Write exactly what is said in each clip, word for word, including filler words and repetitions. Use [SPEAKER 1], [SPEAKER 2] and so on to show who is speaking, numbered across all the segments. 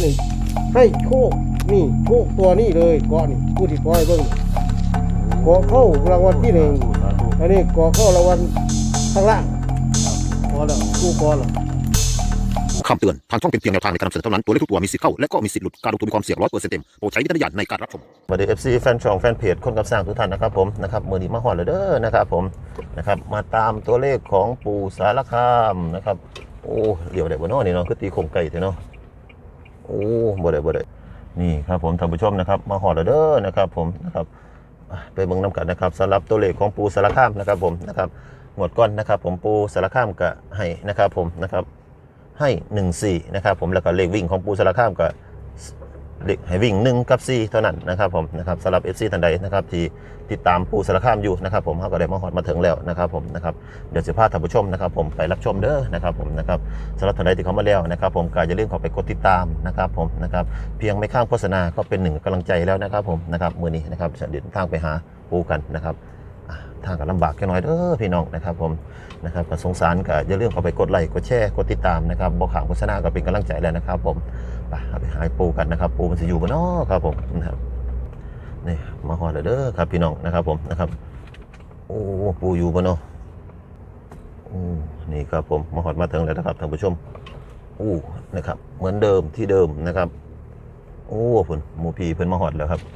[SPEAKER 1] นี่ให้โชคนี่โชคตัวนี้เลยเกาะนี่ผู้ที่ปล่อยเบิ่งเกาะเข้ารางวัลที่หนึ่งอันนี้เกาะเข้ารางวัลข้างล่างพอแล้วผู้พอแล้ว
[SPEAKER 2] คำเตือนทางช่องเป็นเพียงแนวทางในการนำเสนอเท่านั้นตัวเลขทุกตัวมีสิทธิ์เข้าและก็มีสิทธิ์หลุดการลงทุนมีความเสี่ยงร้อยเปอร์เซ็นต์เต็มโปรดใช้วิจารณญาณในการรับชมสวัสดี เอฟ ซี แฟนช่องแฟนเพจคนกับสร้างทุกท่านนะครับผมนะครับมือดีมาหอดเลยเด้อนะครับผมนะครับมาตามตัวเลขของปู่สารคามนะครับโอ้เดี๋ยวเดี๋ยวบ่เนาะนี่เนาะคือตีโคงไก่เถอะเนาะโอ้บ่ได้บ่ได้นี่ครับผมท่านผู้ชมนะครับมาหอดเลยเด้อนะครับผมนะครับไปเบิ่งน้ำกันนะครับสำหรับตัวเลขของปู่สารคามนะครับผมนะครับหมดก้อนนะครับผมปู่สารคามก็ให้นะครับผมนะครับให้หนึ่งสี่นะครับผมแล้วก็เลขวิ่งของปูสารคามก็เลขให้วิ่งหนึ่งกับสี่เท่านั้นนะครับผมนะครับสำหรับ เอฟ ซี ท่านใดนะครับที่ติดตามปูสารคามอยู่นะครับผมเขาก็ได้มาฮอดมาถึงแล้วนะครับผมนะครับเดี๋ยวจะพาท่านผู้ชมนะครับผมไปรับชมเด้อนะครับผมนะครับสำหรับท่านใดที่เข้ามาแล้วนะครับผมก็อย่าลืมเข้าไปกดติดตามนะครับผมนะครับเพียงไม่ข้ามโฆษณาก็เป็นหนึ่งกำลังใจแล้วนะครับผมนะครับมื้อนี้นะครับจะเดินทางไปหาปูกันนะครับทางก็ลำบากแค่น้อยเด้อพี่น้องนะครับผมนะครับก็สงสารก็อย่าลืมเข้าไปกดไลค์กดแชร์กดติดตามนะครับบอกข่าวโฆษณาก็เป็นกำลังใจแล้วนะครับผมไปเอาไปหาปูกันนะครับปูมันจะอยู่บนนอครับผมนะครับนี่มาหอดเด้อครับพี่น้องนะครับผมนะครับโอ้ปูอยู่บนนอโอ้นี่ครับผมมาหอดมาถึงแล้วนะครับท่านผู้ชมโอ้นะครับเหมือนเดิมที่เดิมนะครับโอ้เพิ่นหมูพีเพิ่นมาหอดแล้วครับ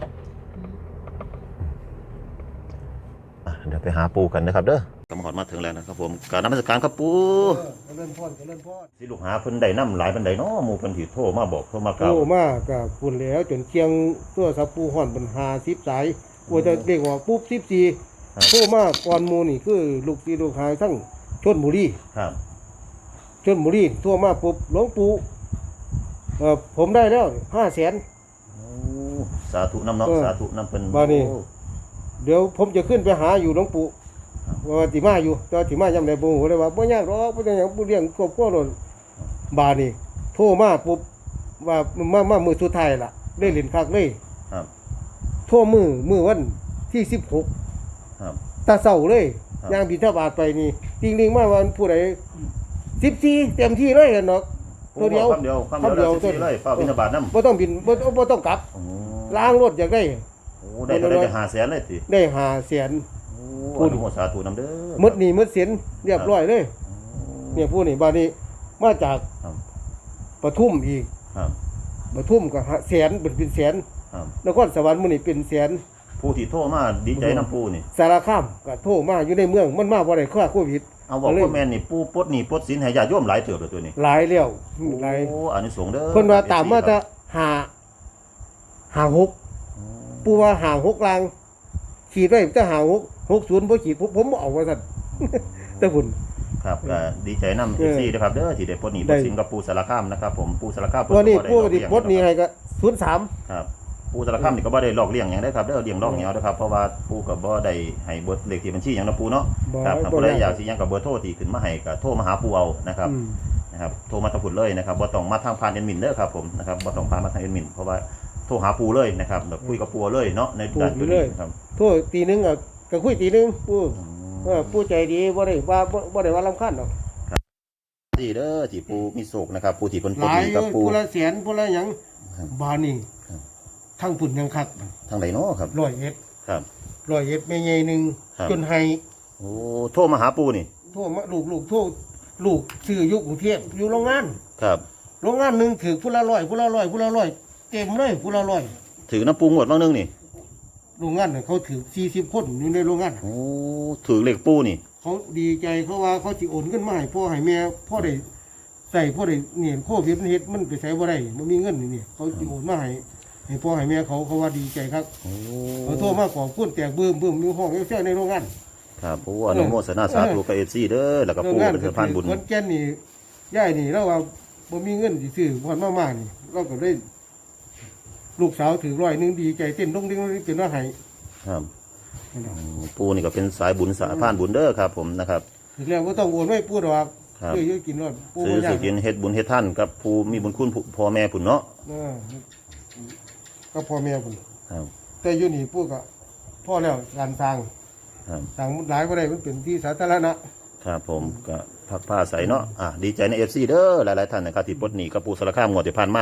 [SPEAKER 2] เดี๋ยวไปหาปูกันนะครับเด้อกำหอดมาถึงแล้วนะครับผมการนมัสการครับปู
[SPEAKER 1] เล่นพ่อนเล่นพ่อน
[SPEAKER 2] สิลูกหาเพิ่นได้นำหลายปานใดเนาะหมู่เพิ่นสิโทรมาบอกโทรมากล่าว
[SPEAKER 1] โทรมาก็พุ่นแล้วจนเคียงตัวสับปูห่อนเป็นห้าสิบสายโอ้จะเรียกว่าปุ๊บสิบสี่โทรมาก่อนหมู่นี่คือลูกศิษย์ลูกหาทั้งชลบุรี
[SPEAKER 2] ครับ
[SPEAKER 1] ชลบุรีโทรมาปุ๊บหลวงปู่เอ่อผมได้แล้วห้าแสน
[SPEAKER 2] โอ้สาธุนำเนาะสาธุนำเพิ่น
[SPEAKER 1] บ่นี่เดี๋ยวผมจะขึ้นไปหาอยู่หลวงปู่ว่าติมาอยู่ตอนติมายามใดบ่ฮู้เลยว่าบ่ยากหรอกบ่ได้หยังบ่เลี้ยงครอบครัวโลดบาดนี้โทรมาปุ๊บว่ามามามื้อสุดท้ายล่ะได้เล่นคักเลย
[SPEAKER 2] ครับ
[SPEAKER 1] โทรมื้อมื้อวันที่สิบหก
[SPEAKER 2] ครับ
[SPEAKER 1] ตาเช้าเลยย่างบิณฑบาตไปนี่ติงๆมาว่าผู้ใดสิบสี่เต็มที่เลยเห็นดอกตัวเดียว
[SPEAKER 2] คำเดียวคำเดียวสิบสี่เลยฟ้าบิณฑบาตนำ
[SPEAKER 1] บ่ต้องบินบ่บ่ต้องกลับล้างรถอยากได้
[SPEAKER 2] โอ้ได้ได้ห้าแสนเลยติ
[SPEAKER 1] ได้ห้าแสน
[SPEAKER 2] ผู้อนุโมทนาสาธุนำเด้อ
[SPEAKER 1] หมดหนี้หมดสินเรียบร้อยเลยเนี่ยผู้นี่บาดนี้มาจากปทุมอีก
[SPEAKER 2] ครับ
[SPEAKER 1] ปทุมก็แสนเป็นเป็นแสน
[SPEAKER 2] ครับ
[SPEAKER 1] นครสวรรค์มื้อนี้เป็นแสน
[SPEAKER 2] ผู้ที่โทรมาดีใจนำปู่นี่
[SPEAKER 1] สารคามก็โทรมาอยู่ในเมืองมันมาบ่ได้ค่าโควิด
[SPEAKER 2] เอาบอกว่าแม่นนี่ปู่ปลดหนี้ปลดสินให้ญาติโยมหลายเติบแล้วตัวนี้
[SPEAKER 1] หลายแล้วหลาย
[SPEAKER 2] โอ้อานิสงส์เด้อ
[SPEAKER 1] เพิ่นว่าตามมาจะห้า ห้า หกปู่ว่าห้า หกลางขีดไว้จะห้า หก หก ศูนย์บ่ขีดผมผมบ่เอาว่าซั่นแต่พุ่น
[SPEAKER 2] ครับก็ดีใจนำ เอฟ ซี ด้วยครับเด้อที่ได้ปลดหนี้ปลดสินกับปู่สารคามนะครับผมปู่สารคาม
[SPEAKER 1] วันนี้ปู่ที่ปลดหนี้ให้ก็ศูนย์สาม
[SPEAKER 2] ครับปู่สารคามนี่ก็บ่ได้หลอกเลี้ยงหยังได้ครับเด้อเลี้ยงลอกเหนียวนะครับเพราะว่าปู่ก็บ่ได้ให้เบอร์เลขที่บัญชีหยังนะปู่เนาะครับถ้าผู้ใดอยากสิหยังก็เบอร์โทรที่ขึ้นมาให้ก็โทรมาหาปู่เอานะครับนะครับโทรมาทางพุ่นเลยนะครับบ่ต้องมาทางผ่านแอดมินเด้อครับผมนะครับบ่ต้องผ่านมาทางแอดมินเพราะว่าโทรหาปู่เลยนะครับแบบคุยกับปู่เลยเนาะในด้านนี้ครับ
[SPEAKER 1] โทรตีนึงก็ก็คุยตีนึงปู่เออปู่ใจดีบ่ได้ว่าบ่ได้ว่ารำคาญดอก
[SPEAKER 2] ดีเด้อที่ปู่มีโศกนะครับปู่ที่เพิ่นปลดหนี้กับปู่
[SPEAKER 1] ผู้ละแสนผู้ละหยังบาดนี้ทั้งพุ่นยังคัก
[SPEAKER 2] ทางใดเนาะครับ
[SPEAKER 1] ร้อยเอ็ด
[SPEAKER 2] ครับ
[SPEAKER 1] ร้อยเอ็ดแม่ใหญ่นึงจนให้
[SPEAKER 2] โอ้โทรมาหาปู่นี่
[SPEAKER 1] โทรมาลูกๆโทรลูกซื้ออยู่กรุงเทพอยู่โรงงาน
[SPEAKER 2] ครับ
[SPEAKER 1] โรงงานนึงถือผู้ละร้อยผู้ละร้อยผู้ละร้อยเต็มเลยผู้ละร้อย
[SPEAKER 2] ถือน้ำปูงวดบางนึงนี่
[SPEAKER 1] โรงงานเขาถือสี่สิบคนอยู่ในโรงงาน
[SPEAKER 2] โอ้ถือเหล็กปูนี่
[SPEAKER 1] เขาดีใจเขาว่าเขาสิโอนเงินมาให้พ่อให้แม่พ่อได้ใส่พ่อได้เนี่ยโควิดมันเฮ็ดมันไปใช้บ่ได้มันมีเงินนี่เขาสิโอนมาให้ให้พ่อให้แม่เขาเขาว่าดีใจครับเขาโทรมาขอพูดแตกบื้มบื้มมีห้องแซ่ในโรงงาน
[SPEAKER 2] ครับปู่อนุโมทนาสาธุกับ เอฟ ซี เด้อแล้วก็ปู่เป็นสะพานบุญ
[SPEAKER 1] คนแก่นนี่ย่ายนี่แล้วว่าบ่มีเงินสิซื้อพรมากๆนี่เราก็ได้ลูกสาวถือร้อยนึงดีใจเต้นลงดิ้งเป็นว่าให้
[SPEAKER 2] ครับปู่นี่ก็เป็นสายบุญสายพานบุญเด้อครับผมนะครับ
[SPEAKER 1] ถึงแล้วก็ต้องโอนไว้ปู่ดอกเยอะๆกินรอด
[SPEAKER 2] ปู่ซื้อสิกินเฮ็ดบุญเฮ็ดท่านกับผู้มีบุญคุณพ่อแม่พุ่นเนาะ
[SPEAKER 1] เออก็พ่อแม่พุ่นครับแต่อยู่นี่ปู่ก็พ่อแล้วการสร้างครับสร้างหลายบ่ได้มันเป็นที่สาธารณะ
[SPEAKER 2] ครับผมก็พักผ้าใสเนาะอ่ะดีใจใน เอฟ ซี เด้อหลายๆท่านนะครับที่ปลดหนี้กับปู่สารคามงวดที่ผ่านมา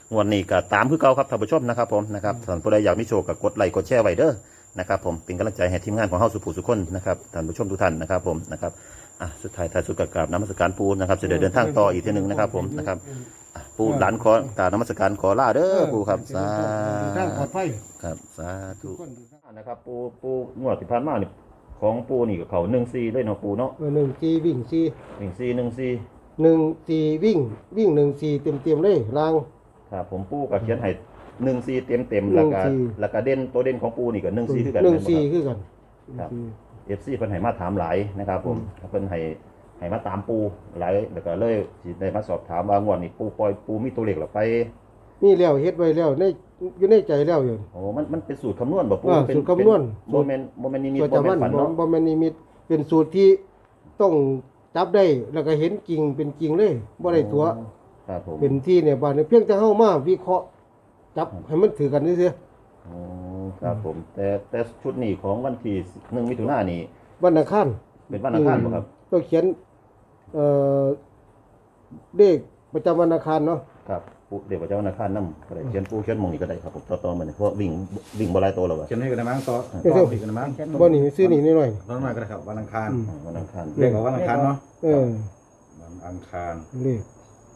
[SPEAKER 2] งวดนี้ก็ตามคือเก่าครับท่านผู้ชมนะครับผมนะครับท่านผู้ใดอยากมีโชคก็กดไลค์กดแชร์ไว้เด้อนะครับผมเป็นกำลังใจให้ทีมงานของเฮาสุภูสุคนนะครับท่านผู้ชมทุกท่านนะครับผมนะครับอ่ะสุดท้ายท้ายสุดกับกราบนมัสการปูนะครับจะเดินทางต่ออีกทีหนึงนะครับผมนะครับอ่ะปูหลานขอกราบนมัสการขอลาเด้อปูครับสา
[SPEAKER 1] ทางปลอดภัย
[SPEAKER 2] ครับสาธุ
[SPEAKER 1] ทุกคน
[SPEAKER 2] นะครับปูปูงวดที่ผ่านมานี่ของปูนี่กับเขาหนึ่งซีเลยเนาะปูเนาะ
[SPEAKER 1] เออหนึ่งจีวิ่งจี
[SPEAKER 2] หนึ่งซีหนึ่งซี
[SPEAKER 1] หนึ่งจีวิ่งวิ่งหนึ่งจีเต็มเต็มๆเลยราง
[SPEAKER 2] ครับผมปูกับเขียนให้หนึ่งซีเต็มเต็มๆแล้วก็
[SPEAKER 1] หนึ่ง C
[SPEAKER 2] แล้วก็เด่นตัวเด่นของปูนี่กับหนึ่งซีคือกัน
[SPEAKER 1] หนึ่งจี
[SPEAKER 2] แม่นบ่
[SPEAKER 1] คือกัน
[SPEAKER 2] ครับเอฟซีเพิ่นให้มาถามหลายนะครับผมเพิ่นให้ให้มาตามปูหลายแล้วก็เลยสิได้มาสอบถามว่างวดนี้ปูปล่อยปูมีตัวเลขหรือไป
[SPEAKER 1] นี่แล้วเฮ็ดไว้แล้วในอยู่ในใจแล้วอยู่
[SPEAKER 2] โอ้มันมันเป็นสูตรคำนวณบ่ปู
[SPEAKER 1] อ่า
[SPEAKER 2] เป็
[SPEAKER 1] สูตรคำนวณ
[SPEAKER 2] โมเมนต์โมเมนต์นิมิต
[SPEAKER 1] ตัว
[SPEAKER 2] โม
[SPEAKER 1] จา
[SPEAKER 2] เมน
[SPEAKER 1] มัน
[SPEAKER 2] ต์ฝัน
[SPEAKER 1] บ่
[SPEAKER 2] เนาะ
[SPEAKER 1] บ่แม่นนิมิตเป็นสูตรที่ต้องจับได้แล้วก็เห็นจริงเป็นจริงเลยบ่ได้ตัว
[SPEAKER 2] ครับผม
[SPEAKER 1] เป็นที่เนี่ยบ้านเนี่ยเพียงแต่เฮามาวิเคราะห์จับให้มันถือกันซื่อ
[SPEAKER 2] โอ้ครับผมแต่แต่ชุดนี้ของวันที่หนึ่งมิถุนายนนี่
[SPEAKER 1] ๆวันอังคาร
[SPEAKER 2] เป็นวันอังคารบ่ครับ
[SPEAKER 1] ต้องเขียนเอ่อเลขประจำวันอังคารเนาะ
[SPEAKER 2] ครับปูเดี๋ยวพระเจ้านาคานนำก็ได้เขียนปูเขียนหมองนี้ก็ได้ครับผมต่อต่อมาเนี่ยเพราะวิ่งวิ่งบ่หลายตัวแล้วว่ะ
[SPEAKER 3] เขียนให้กันนะมั้งต่อ
[SPEAKER 1] เดี๋ยว
[SPEAKER 3] ต่ออีกกันนะมั้ง
[SPEAKER 1] บ่นี่ซื้อนี่หน่อย
[SPEAKER 3] น้องหน่อยก็ได้ครับวันอังคาร
[SPEAKER 2] วันอังคาร
[SPEAKER 3] เรียกว่าวันอังคารเนาะ
[SPEAKER 1] ๆเออ
[SPEAKER 3] วันอังคาร
[SPEAKER 1] เลข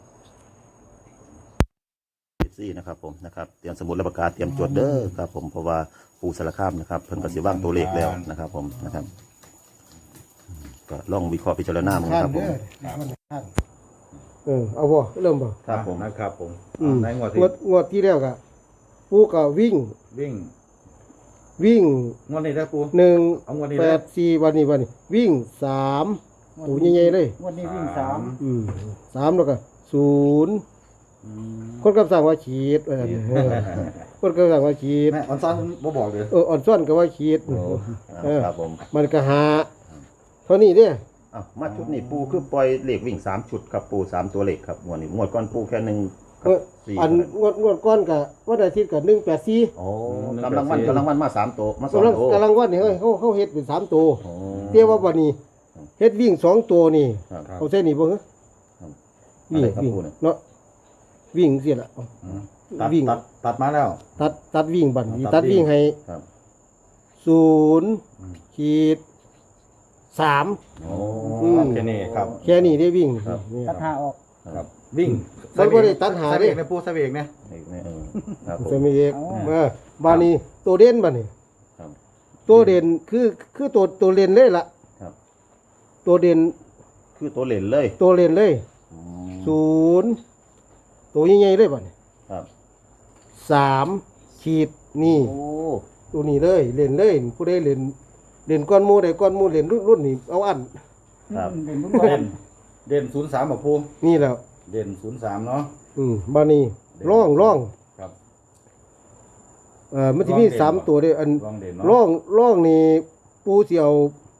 [SPEAKER 2] สี่นะครับผมนะครับเตรียมสมุดและปากกาเตรียมจดเด้อครับผมเพราะว่าปูสารคามนะครับเพิ่นก็สิว่างตัวเลขแล้วนะครับผมนะครับก็ลองวิเคราะห์พิจารณามึง
[SPEAKER 1] ข้า
[SPEAKER 2] ครับผม
[SPEAKER 1] เด้อวันอังคารเออเอาบ่เริ่มบ่
[SPEAKER 2] ครับผม
[SPEAKER 3] นะครับผม
[SPEAKER 1] อืม
[SPEAKER 3] ในงวด
[SPEAKER 1] ง
[SPEAKER 3] ที่
[SPEAKER 1] วดงวดที่แล้วก็ปูก็วิ่ง
[SPEAKER 3] วิ่ง
[SPEAKER 1] วิ่ง
[SPEAKER 3] งวดนี้ได้ปู
[SPEAKER 1] หนึ่ง
[SPEAKER 3] เอางวดนี้
[SPEAKER 1] แป
[SPEAKER 3] ได้
[SPEAKER 1] ดสี่วันนี้วันนี้วิ่งสามตัวใหญ่ๆเลย
[SPEAKER 4] วันนี้วิ่งสาม
[SPEAKER 1] อืมสามแล้วก็ศูนย์
[SPEAKER 3] อืม
[SPEAKER 1] คนกับสั่งว่าขีดเออเออคนกับสั่งว่าขีด
[SPEAKER 3] แม่ออนซ้อนบ่บอกเลย
[SPEAKER 1] เอออ่อนซ่อนก็ว่าขีด
[SPEAKER 2] โอ้
[SPEAKER 1] เออ
[SPEAKER 2] ครับผม
[SPEAKER 1] มันก็หาเท่านี้เด้
[SPEAKER 2] อ้าวมาชุดนี้ปูคือปล่อยเลขวิ่งสามชุดครับปูสามตัวเลขครับงวดนี้งวดก่อนปูแค่หนึ่งกั
[SPEAKER 1] เอบ อ
[SPEAKER 2] สี่
[SPEAKER 1] อันงวดงวดก้อนกับวันอาทิตย์กับหนึ่งแปดสี่
[SPEAKER 2] โอ้กำลังวันกำลังวันมาสามตัวมาสอง
[SPEAKER 1] กำลัง
[SPEAKER 2] ตัว
[SPEAKER 1] กำลังวันนี่เฮ้ยเขาเขาเฮ็ดเป็นสามตัว
[SPEAKER 2] โอ้
[SPEAKER 1] เรียกว่าวันนี้เฮ็ดวิ่งสองตัวนี่
[SPEAKER 2] ครับ
[SPEAKER 1] เอาเส้นนี่บ่เหรอ
[SPEAKER 2] ครับ
[SPEAKER 1] วิ่ง
[SPEAKER 2] อะไรครับ
[SPEAKER 1] วิ่ง
[SPEAKER 2] ครูเนี่ย
[SPEAKER 1] เนาะวิ่งเสียละเอา
[SPEAKER 3] อืมตัด
[SPEAKER 1] วิ่ง
[SPEAKER 3] ตัดตัดมาแล้ว
[SPEAKER 1] ตัดตัดวิ่งบัดนี้
[SPEAKER 3] ตั
[SPEAKER 1] ตั
[SPEAKER 3] ด
[SPEAKER 1] ด
[SPEAKER 3] วิ่
[SPEAKER 1] วิ่
[SPEAKER 3] ง
[SPEAKER 1] งให้
[SPEAKER 2] ครับ
[SPEAKER 1] ศูนย์
[SPEAKER 3] อืม
[SPEAKER 1] ขีดสาม
[SPEAKER 3] โอ้
[SPEAKER 1] อืม
[SPEAKER 3] แค่นี้ครับ
[SPEAKER 1] แค่นี้ได้วิ่ง
[SPEAKER 2] ครับ
[SPEAKER 1] นี่
[SPEAKER 4] ตัดหาออก
[SPEAKER 3] ครับ วิ่ง
[SPEAKER 1] มันบ่ได้ตัดหา
[SPEAKER 3] ใส่
[SPEAKER 1] เด้
[SPEAKER 3] เบรกในปูใส่เบรกเนี่ย
[SPEAKER 2] เลขนี่เออครับผม
[SPEAKER 1] จะมีเอก
[SPEAKER 4] อ๋อ
[SPEAKER 1] เออบานี้ตัวเด่นบานี้
[SPEAKER 2] ครับ
[SPEAKER 1] ตัวเด่นคือคือตัวตัวเล่นเลยล่ะ
[SPEAKER 2] ครับ
[SPEAKER 1] ตัวเด่น
[SPEAKER 2] คือตัวเลนเลย
[SPEAKER 1] ตัวเล่นเลย
[SPEAKER 2] อืม
[SPEAKER 1] ศูนย์ตัวใหญ่ๆเลยบานี้
[SPEAKER 2] ครับ
[SPEAKER 1] สามขีดนี่
[SPEAKER 2] โอ้
[SPEAKER 1] ตัวนี้เลยเล่นเลยผู้ใดเล่นเล่นก้อนหมูใดก้อนหมูเล่นรุ่นรุ่นนี้เอาอัน
[SPEAKER 2] ครับ
[SPEAKER 4] อืมเป็นบุญบอ
[SPEAKER 3] เด่
[SPEAKER 4] ล
[SPEAKER 3] นเด่นศูนย์สามบอกปู
[SPEAKER 1] นี่แหล้ว
[SPEAKER 3] เด่นศูนย์สามเนาะ
[SPEAKER 1] อืมบานี้ร่องร่อง
[SPEAKER 3] ครับ
[SPEAKER 1] เอ่อมันจะมี
[SPEAKER 3] ร่องเด่น
[SPEAKER 1] สามตัวเด้ออัน
[SPEAKER 3] ลองเด่นเนาะ
[SPEAKER 1] ร่องร่องนี่ปูสิเอา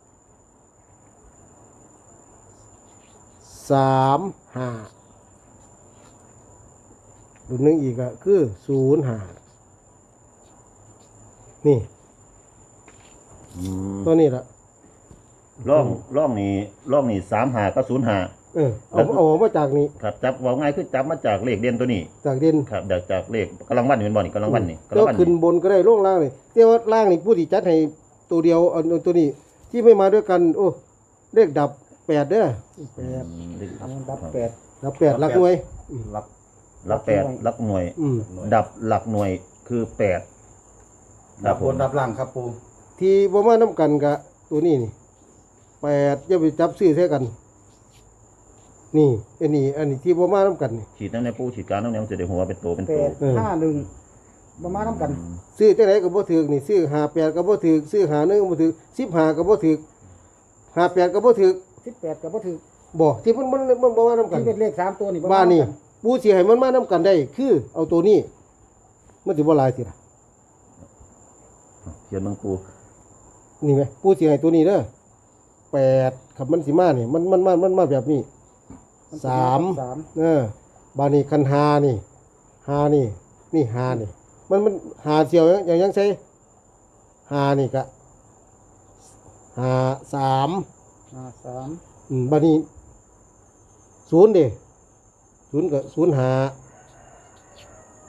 [SPEAKER 1] สามห้ารุ่นหนึงอีกอะคือศูนย์ห้านี่
[SPEAKER 2] อืม
[SPEAKER 1] ตัวนี้ละ
[SPEAKER 2] ร่องร่องนี่ร่องนี่สามหาก็ศูนย์หา
[SPEAKER 1] เออเอาเอาออกมาจากนี้
[SPEAKER 2] ครับจับว่าง่ายคือจับมาจากเลขเด่นตัวนี้
[SPEAKER 1] จากเด่น
[SPEAKER 2] ครับจากจากเลขกำลังวันนี่เป็นบ่อนี่กำลังวันนี่กำลั
[SPEAKER 1] แล้
[SPEAKER 2] ง
[SPEAKER 1] ว
[SPEAKER 2] วัน
[SPEAKER 1] ขึ้น
[SPEAKER 2] นี่
[SPEAKER 1] บนก็ได้ล่งล่างเลยแต่ว่าล่างนี่ผู้ที่จัดให้ตัวเดียวเอาเอาตัวนี้ ที่ไม่มาด้วยกัน โอ้เลขดับแปดเด้อแปด
[SPEAKER 2] อืมเลขดับ
[SPEAKER 4] ดับแปด
[SPEAKER 1] ดับแปดหลักหน่วย
[SPEAKER 3] รับ
[SPEAKER 2] หลักแปดหลักหน่วย
[SPEAKER 1] อืม
[SPEAKER 2] ดับหลักหน่วยคือแปด
[SPEAKER 3] ดับบนดับล่างครับปู
[SPEAKER 1] ที่บ่มาน้ำกันกะตัวนี้นี่แปดอย่าไปจับซื้อใช้กัน นี่อันนี้ อันนี้ที่บ่มาน้ำกันนี่
[SPEAKER 2] ฉีดน้ำในปูฉีดกลารน้ำในมันจะได้หัวเป็นตัวเป็น
[SPEAKER 4] แป
[SPEAKER 2] ตัว
[SPEAKER 4] ด
[SPEAKER 1] เออ
[SPEAKER 4] ห้าหนึ่งประมาณน้ำกัน
[SPEAKER 1] ซื้อจังไดก็บ่ถูกนี่ซื้อห้าแปดก็บ่ถูกซื้อห้าหนึ่งก็บ่ถูกสิบห้าก็บ่ถูกห้าแปดก็บ่ถูก
[SPEAKER 4] สิบแปดกับว่าถือ
[SPEAKER 1] บ่ที่มันมันมันบ่มาน้ำกัน
[SPEAKER 4] ที่เป็นเลขสามตัวนี่
[SPEAKER 1] บ้านนี่ปูสิให้มันมาน้ำกันได้ คือเอาตัวนี้ มันสิบ่หลายสิล่ะ
[SPEAKER 2] เขียนเบางปู
[SPEAKER 1] นี่ไหมปูสิให้ตัวนี้เด้อแปดขับมันสิมานี่มันมันมันมันมาแบบนี้สาม
[SPEAKER 4] สาม
[SPEAKER 1] เออ บานี่คันหานี่หานี่ นี่หานี่ มันมันหาเสียวอย่างยังใช้หานี่กะหาสาม
[SPEAKER 4] ห้าสาม
[SPEAKER 1] อืมบานี่ศูนย์เด้ศูนย์กับศูนย์หา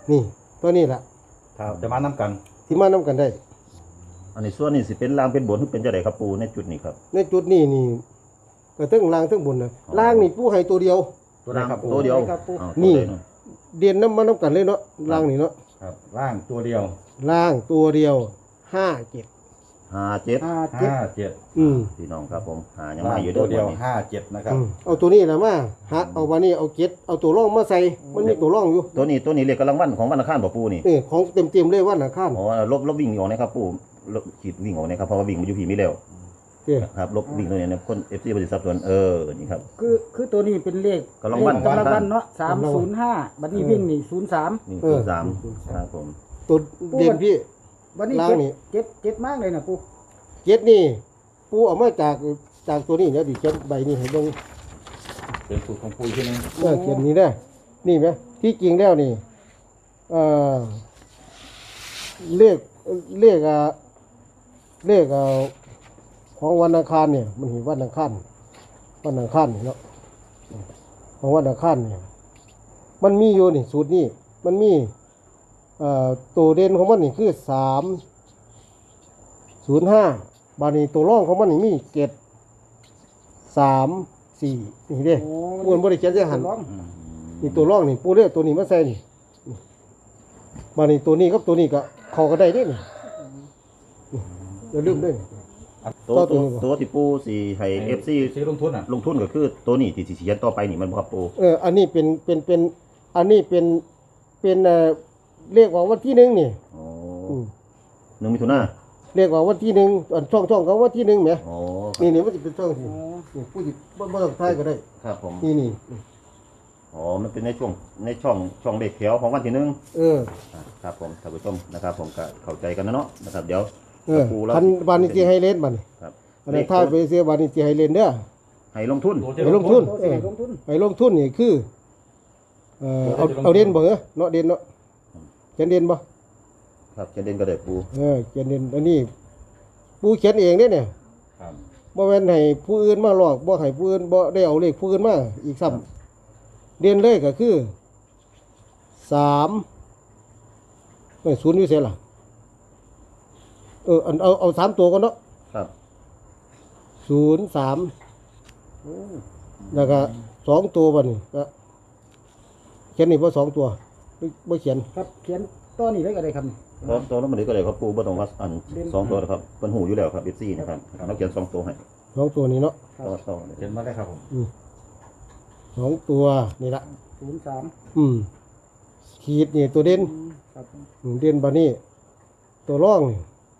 [SPEAKER 1] นี่ตัวนี้ล่ะ
[SPEAKER 3] ครับจะมานํกัน
[SPEAKER 1] ที่มานํกันได้
[SPEAKER 2] อันนี้ส่วนนี้สิเป็นล่างเป็นบนหรือเป็นจังไดครับปูในจุดนี้ครับ
[SPEAKER 1] ในจุดนี้นี่ก็ทั้งล่างทั้งบนนะล่างนี่ปูให้ตัวเดียว
[SPEAKER 3] ตัวใดครับปู
[SPEAKER 2] ตัวเดียว
[SPEAKER 4] ครับปู
[SPEAKER 2] อ้าว
[SPEAKER 1] นี่
[SPEAKER 2] ตัวใดเาะ
[SPEAKER 1] เดียนน้ำมันน้ำกันเลยเนาะล่างนี่เนาะ
[SPEAKER 3] ครับล่างตัวเดียว
[SPEAKER 1] ล่างตัวเดียวห้าเจ็ด
[SPEAKER 2] ห้าเจ็ด
[SPEAKER 4] ห้าเจ็ด
[SPEAKER 3] ห้าเจ็ด
[SPEAKER 1] อืม
[SPEAKER 2] พี่น้องครับผมหายัง
[SPEAKER 3] ล่า
[SPEAKER 2] มาง อยู่เด้
[SPEAKER 3] ตั
[SPEAKER 2] อ
[SPEAKER 3] วเดียว
[SPEAKER 2] วันนี้
[SPEAKER 3] ห้าเจ็ดนะครับ
[SPEAKER 1] อืมเอาตัวนี้แหละมาฮะเอาวันนี้เอาเจ็ดเอาตัวร่องมาใส่มันมีตัวร่องอยู่
[SPEAKER 2] ตัวนี้ตัวนี้เรียกกำลังวันของวันอังคารบ่ปูนี่
[SPEAKER 1] เออของเต็มเต็มๆเลยวันอังคาร
[SPEAKER 2] อ๋อลบลบวิ่งออกนะครับปูลบขีดวิ่งออกนะครับเพราะว่าวิ่งมันอยู่ผีไม่เร็ว
[SPEAKER 1] เด้อ
[SPEAKER 2] ครับลบวิ่งตัวนี้นะคน เอฟ ซี บริษัทส่วนเออนี่ครับ
[SPEAKER 4] คือคือตัวนี้เป็นเลข
[SPEAKER 2] กำลังวัน
[SPEAKER 4] เลขกำลังวันเนาะสามศูนย์ห้าบัดนี้วิ่งนี่ศูนย์สาม
[SPEAKER 2] นี่
[SPEAKER 1] เอ
[SPEAKER 2] คือ
[SPEAKER 1] อ
[SPEAKER 2] สามครับผม
[SPEAKER 1] ตัวเด่นพี่
[SPEAKER 4] วันนี้
[SPEAKER 1] ล่าง
[SPEAKER 4] เจ็ด
[SPEAKER 1] นี่
[SPEAKER 4] เจ็ดเจ็ดมากเลยนะปู
[SPEAKER 1] เจ็ดนี่ปูเอามาจากจากตัวนี้เนี่ยดิเจ็ดใบนี่ให้เบิ่ง
[SPEAKER 3] เป็นสูตรของปูอีกทีหนึง
[SPEAKER 1] เออเขียนนี้ได้นี่ไหมที่จริงแล้วนี่เออเลขเลขอ่ะเลขอ่ะของวันอังคารเนี่ย มันเห็นวันอังคารวันอังคารนี่เนาะของวันอังคารเนี่ย มันมีอยู่นี่สูตรนี่มันมีเอ่อตัวเด่นของมันนี่คือสามศูนย์ห้าบานี้ตัวร่องของมันนี่มีเจ็ดสามสี่นี่เด้
[SPEAKER 4] โอ้
[SPEAKER 1] ปูนบริเขียนจะหัน
[SPEAKER 4] ร้อง
[SPEAKER 3] อืม
[SPEAKER 1] นี่ตัวร่องนี่ปูเรียกตัวนี้มาใส่นี่มานี่ตัวนี้กับตัวนี้ก็เข้ากันได้เด้นี่อย่าลืมเด้วย
[SPEAKER 2] ตัว
[SPEAKER 1] ต่อตั
[SPEAKER 2] ตัว ว
[SPEAKER 1] นี้บ่
[SPEAKER 2] ตัวที่ปูสี่ให้ เอฟ ซี
[SPEAKER 3] ซื้อลงทุนอ่ะ
[SPEAKER 2] ลงทุนก็คือตัวนี้ที่สิเขียนต่อไปนี่มันบ่ครับปู
[SPEAKER 1] เอออันนี้เป็นเป็นเป็นอันนี้เป็นเป็นเอ่อเรียกว่าวันที่หนึ่งนี่
[SPEAKER 2] อ๋อ
[SPEAKER 1] อืม
[SPEAKER 2] หนึ่งมิถุนา
[SPEAKER 1] เรียกว่าวันที่หนึ่งอันช่องช่องเขาวันที่หนึ่งไหม
[SPEAKER 2] อ๋อ
[SPEAKER 1] นี่นี่มันจะเป็นช่องที่นี่ผู้ที่บ่บ่ต้องทายก็ได้
[SPEAKER 2] ครับผม
[SPEAKER 1] นี่นี่
[SPEAKER 2] อ๋อมันเป็นในช่วงในช่องช่องเลขแถวของวันที่หนึ่ง
[SPEAKER 1] เออ
[SPEAKER 2] อ่าครับผมท่านผู้ชมนะครับผมก็เข้าใจกันนะเนาะนะครับเดี๋ยว
[SPEAKER 1] เออ
[SPEAKER 2] ปูแล้ว
[SPEAKER 1] พันบานิจีให้เล่นบัดนี้
[SPEAKER 2] ครับ
[SPEAKER 1] อันนั้นทายไปเสียบานิจีให้เล่นเด้อ
[SPEAKER 2] ให้ลงทุน
[SPEAKER 3] ตัวที่
[SPEAKER 1] ให้ลงทุน
[SPEAKER 4] ตัวที่ไหนลงทุน
[SPEAKER 1] ให้ลงทุนนี่คือเอ่อเอาเอาเด่นบ่เหรอเนาะเด่นเนาะเขียนเด่นบ่
[SPEAKER 2] ครับเขียนเด่นก็ได้ปู
[SPEAKER 1] เออเขียนเด่นอันนี้ปูเขียนเองเด้เนี่ย
[SPEAKER 3] ครับ
[SPEAKER 1] บ่แม่นให้ผู้อื่นมาหลอกบ่ให้ผู้อื่นบ่ได้เอาเลขผู้อื่นมาอีกซ้ำเด่นเลยก็คือสามเอ้ยศูนย์อยู่ไสล่ะเอออันเอาเอาสามตัวก่อนเนาะ
[SPEAKER 2] ครับ
[SPEAKER 1] ศูนย์สามแล้วก็สองตัวบัดนี้ก็เขียนนี่บ่สองตัวบ่บ่เขียน
[SPEAKER 4] ครับเขียนตัวนี้ไว้ก็ได้ครับ
[SPEAKER 2] ตัวตัวนั้นมันก็ได้ครับปูบ่ต้องว่าอันสองตัวนะครับเพิ่นหูอยู่แล้วครับ เอฟ ซี นะครับเราเขียนสองตัวให้
[SPEAKER 1] สองตัวนี้เนาะ
[SPEAKER 2] ตัวต่อเลย
[SPEAKER 3] เขียนมาได้ครับผม
[SPEAKER 1] สองตัวนี่ละ
[SPEAKER 4] ศูนย์สาม
[SPEAKER 1] อืมขีดนี่ตัวเด่น
[SPEAKER 4] ครับ
[SPEAKER 1] อืมเด่นบัดนี้ ตัวร่องนี่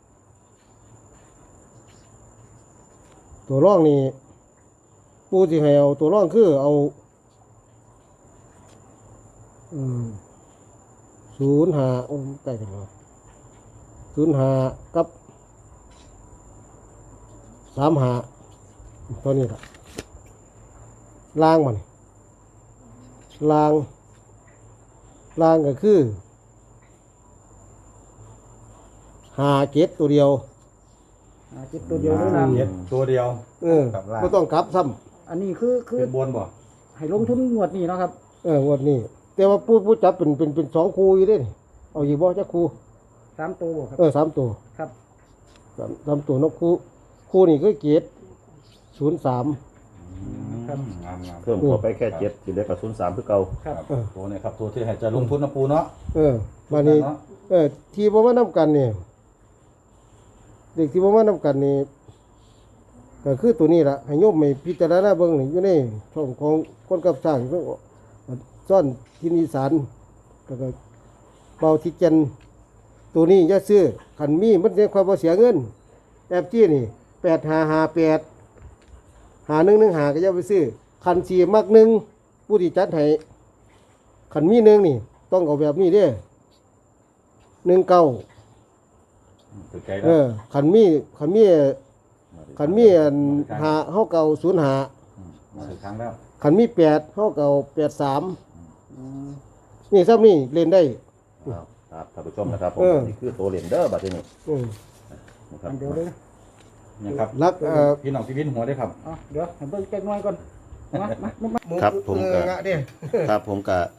[SPEAKER 1] ตัวร่องนี่ปูสิให้เอาตัวร่องคือเอาอืมศูนย์ห้าโอ้ยใกล้กันแล้วศูนย์ห้ากับสามห้าตัวนี้ละล่างมันล่างล่างก็คือหาเจ็ดตัวเดียว
[SPEAKER 4] อ่าเจ็ดตัวเดียวเลยนะ
[SPEAKER 3] เจ็ดตัวเดียว
[SPEAKER 1] เออ
[SPEAKER 3] กับล่าง
[SPEAKER 1] ไม่ต้องกลับซ้
[SPEAKER 4] อันนี้คือคือ
[SPEAKER 3] เป็นบนบ่
[SPEAKER 4] ให้ลงทุนงวดนี้เนาะครับ
[SPEAKER 1] ำเอองวดนี้ แต่ว่าผู้ผู้จับเป็นเป็นเป็นสองคู่อยู่เด้นี่เอาอยู่บ่จักคู่
[SPEAKER 4] สามตัวบ่ครับ
[SPEAKER 1] เออสามตัว
[SPEAKER 4] ครับ
[SPEAKER 1] สามสามตัวนกคู่คู่นี่คือเจ็ดศูนย์สาม
[SPEAKER 4] ครับ
[SPEAKER 3] งามงาม
[SPEAKER 2] เพิ่มเข้าไปแค่เจ็ดสิเหลือกับศูนย์สามคือเก่า
[SPEAKER 4] ครับ
[SPEAKER 3] ครับตัวเนี่ยครับตัวที่ให้จะลงทุนนะปูเนาะ
[SPEAKER 1] เออมานี้
[SPEAKER 3] เนาะ
[SPEAKER 1] เออที่บ่มานํกันนี่เด็กที่บ่มานํกันนี่ก็คือตัวนี้ล่ะให้โยมไปพิจารณาเบิ่งนี่อยู่ในช่องของคนกับสร้างเพิ่นซ่อนทินอีสานก็ก็เบาที่จันตัวนี้อย่าซื้อคันมีมันจะความบ่เสียเงินแอบจี้นี่แปดห้าห้าแปดหาหนึ่งหนึ่งหาก็อย่าไปซื้อคันสีมักหนึ่งผู้ที่จัดให้คันมีหนึ่งนี่ ต้องเอาแบบนี้เด้หนึ่งเก้า
[SPEAKER 3] ถูกใจ
[SPEAKER 1] เอ
[SPEAKER 3] แล้ว
[SPEAKER 1] อขันมีขันมีขันมีอันหาเฮาเก่าศูนย์หา
[SPEAKER 3] มาถึงครั้งแล้ว
[SPEAKER 1] ขันมีแปดเฮาเก่าแปดสามนี่ซ้ำนี่เล่นได้
[SPEAKER 2] ครับครับท่านผู้ชมนะครับผม
[SPEAKER 1] เออ
[SPEAKER 2] นี่คือตัวเลนเดอร์บัดนี้
[SPEAKER 1] อืม
[SPEAKER 2] นะครับ
[SPEAKER 4] อันเดียวเลยนะ
[SPEAKER 3] เนี่ยครับ
[SPEAKER 1] รักเอ่อ
[SPEAKER 3] พี่น้องที่วินหัวได้ครับ
[SPEAKER 4] เอาเดี๋ยวให้เบิ่งแป๊กน้อยก่อนมามามามา
[SPEAKER 2] ครับผม
[SPEAKER 1] เอ
[SPEAKER 2] ก็
[SPEAKER 1] องะเด้
[SPEAKER 2] ครับผมก็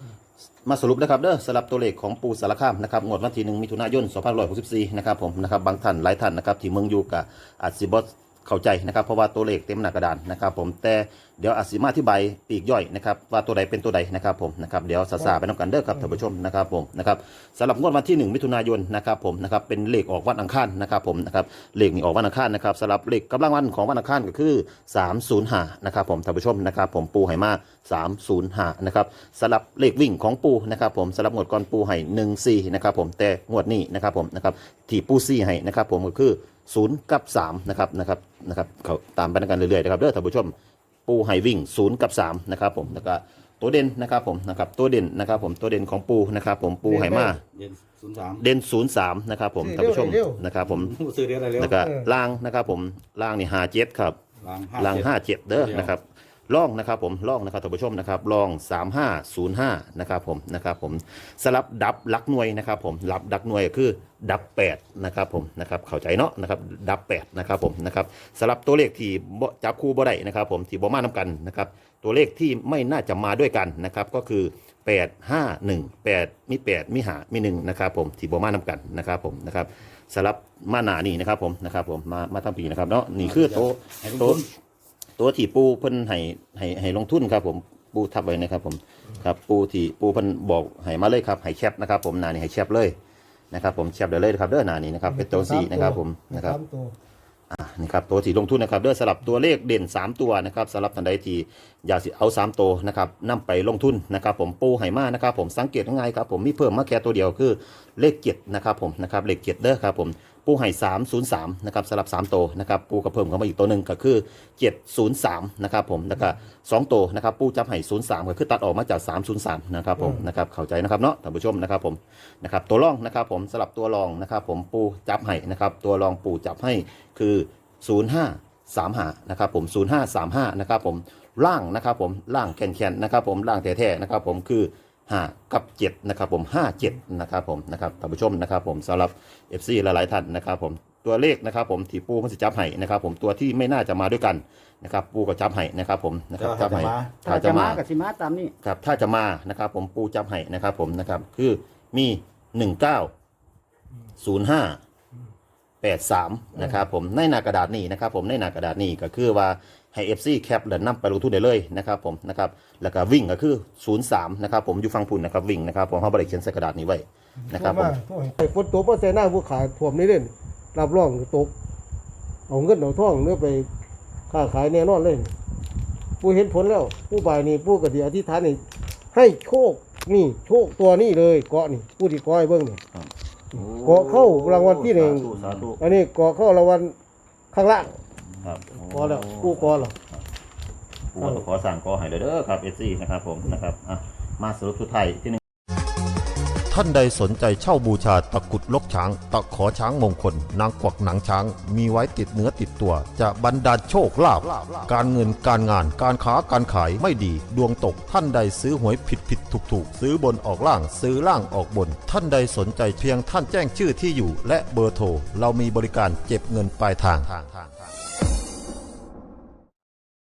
[SPEAKER 2] มาสรุปนะครับเด้อสำหรับตัวเลขของปูสารคามนะครับงวดวันที่หนึ่งมิถุนายนสองพันห้าร้อยหกสิบสี่นะครับผมนะครับบางท่านหลายท่านนะครับที่เมืองอยู่กับอาจสิบ่เข้าใจนะครับเพราะว่าตัวเลขเต็มหน้ากระดานนะครับผมแต่เดี๋ยวอาจสิมาอธิบายปีกย่อยนะครับว่าตัวใดเป็นตัวใดนะครับผมนะครับเดี๋ยวสาๆไปนำกันเด้อครับท่านผู้ชมนะครับผมนะครับสำหรับงวดวันที่หนึ่งมิถุนายนนะครับผมนะครับเป็นเลขออกวันอังคารนะครับผมนะครับเลขนี้ออกวันอังคารนะครับสำหรับเลขกำลังวันของวันอังคารก็คือสามศูนย์ห้านะครับผมท่านผู้ชมนะครับผมปูไหมาสามศูนย์ห้านะครับสำหรับเลขวิ่งของปูนะครับผมสำหรับงวดก่อนปูให้หนึ่งสี่นะครับผมแต่งวดนี้นะครับผมนะครับที่ปูซี่ให้นะครับผมก็คือศูนย์กับสามนะครับนะครับนะครับเขาตามไปด้วยกันเรื่อยๆนะครับเด้อท่านผู้ชมปูไฮวิ่งศูนย์กับสามนะครับผมแล้วก็ตัวเด่นนะครับผมนะครับตัวเด่นนะครับผมตัวเด่นของปูนะครับผมปูไฮมา
[SPEAKER 3] เย็นศูนย์สาม
[SPEAKER 2] เด่นศูนย์สามนะครับผมท่านผู้ชมนะครับผม
[SPEAKER 3] ซื้อเรียอะไรเร็ว
[SPEAKER 2] แล้วก็ล่างนะครับผมล่างนี่ห้าเจ็ดครับ
[SPEAKER 3] ล้าง
[SPEAKER 2] ล่างห้าเจ็ดเด้อนะครับล่องนะครับผมล่องนะครับท่านผู้ชมนะครับล่องสามห้าศูนย์ห้านะครับผมนะครับผมสลับดับลักหน่วยนะครับผมลับดักหน่วยก็คือดับแปดนะครับผมนะครับเข้าใจเนาะนะครับดับแปดนะครับผมนะครับสลับตัวเลขที่บ่จับคู่บ่ได้นะครับผมที่บ่มานํกันนะครับตัวเลขที่ไม่น่าจะมาด้วยกันนะครับก็คือแปด ห้า หนึ่ง แปดมีแปดมีห้ามีหนึ่งนะครับผมที่บ่มานํกันนะครับผมนะครับสลับมาหน้านี่นะครับผมนะครับผมมามาทั้งปีนะครับเนาะนี่คือโตะโตะตัวที่ปูเพิ่นให้ให้ให้ลงทุนครับผมปูทับไว้นะครับผมครับปูที่ปูเพิ่นบอกให้มาเลยครับให้แคปนะครับผมหน้านี่ให้แคปเลยนะครับผมแคปได้เลยครับเด้อหน้านี้นะครับเป็นตัวสี่นะครับผมนะครับ
[SPEAKER 1] สามตัว
[SPEAKER 2] อ่านี่ครับตัวที่ลงทุนนะครับเด้อสลับตัวเลขเด่นสามตัวนะครับสำหรับท่านใดที่อยากสิเอาสามตัวนะครับนำไปลงทุนนะครับผมปูไหมานะครับผมสังเกตง่ายครับผมมีเพิ่มมาแค่ตัวเดียวคือเลขเจ็ดนะครับผมนะครับเลขเจ็ดเด้อครับผมปูไห่สามศูนย์สามนะครับสลับสามตัวนะครับปูกระเพิ่มเข้ามาอีกตัวหนึ่งก็คือเจ็ดศูนย์สามนะครับผมแล้วก็สองตัวนะครับปูจับไห่ศูนย์สามก็คือตัดออกมาจากสามศูนย์สามนะครับผมนะครับเข้าใจนะครับเนาะท่านผู้ชมนะครับผมนะครับตัวรองนะครับผมสลับตัวรองนะครับผมปูจับไห่นะครับตัวรองปูจับให้คือศูนย์ห้าสามห้านะครับผมศูนย์ห้าสามห้านะครับผมล่างนะครับผมล่างแข็งๆนะครับผมล่างแท้ๆนะครับผมคือห้ากับเจ็ดนะครับผมห้าเจ็ดนะครับผมนะครับท่านผู้ชมนะครับผมสำหรับ เอฟ ซี หลายๆท่านนะครับผมตัวเลขนะครับผมที่ปูมันจะจับให้นะครับผมตัวที่ไม่น่าจะมาด้วยกันนะครับปูก็จับให้นะครับผมนะครับจับให้
[SPEAKER 4] ถ้าจะมากับสิมาตามนี้
[SPEAKER 2] ครับถ้าจะมานะครับผมปูจับให้นะครับผมนะครับคือมีหนึ่งเก้าศูนย์ห้าแปดสามนะครับผมในหน้ากระดาษนี้นะครับผมในหน้ากระดาษนี้ก็คือว่าให้ เอฟ ซี แคปแล้วนำไปลงทุนได้เลยนะครับผมนะครับแล้วก็วิ่งก็คือศูนย์สามนะครับผมอยู่ฟังพุ่นนะครับวิ่งนะครับผมเขาบริเขียนใส่กระดาษนี้ไว้นะครับผม
[SPEAKER 1] ไอ้ฝนตกมาใส่หน้าผู้ขายท่วมนี่เล่นรับรองตกเอาเงินเอาทองเนื้อไปค้าขายแน่นอนเลยผู้เห็นผลแล้วผู้บ่ายนี่ผู้กระเดียอธิษฐานนี่ให้โชคนี่โชคตัวนี้เลยเกาะนี่ผู้ที่ก้อยเบิ้งนี่เกาะเข้ารางวัลที่หนึ่ง
[SPEAKER 2] สาธุ
[SPEAKER 1] อันนี้เกาะเข้ารางวัลข้างล่าง
[SPEAKER 2] ครับ
[SPEAKER 1] กอแล้วผู้กอแล้ว
[SPEAKER 2] ปูก็ขอสั่งกอให้เลยเด้อครับ เอฟ ซี นะครับผมนะครับอ่ะมาสรุปสุดท้ายที่หนึ่ง
[SPEAKER 5] ท่านใดสนใจเช่าบูชาตะกรุดลกช้าง ตะขอช้างมงคล นางกวักหนังช้าง มีไว้ติดเนื้อติดตัว จะบรรดาลโชคลาภการเงินการงานการค้าการขายไม่ดี ดวงตกท่านใดซื้อหวยผิดผิดถูกถูกซื้อบนออกล่างซื้อล่างออกบน ท่านใดสนใจเพียงท่านแจ้งชื่อที่อยู่ และเบอร์โทรเรามีบริการเก็บเงินปลายทาง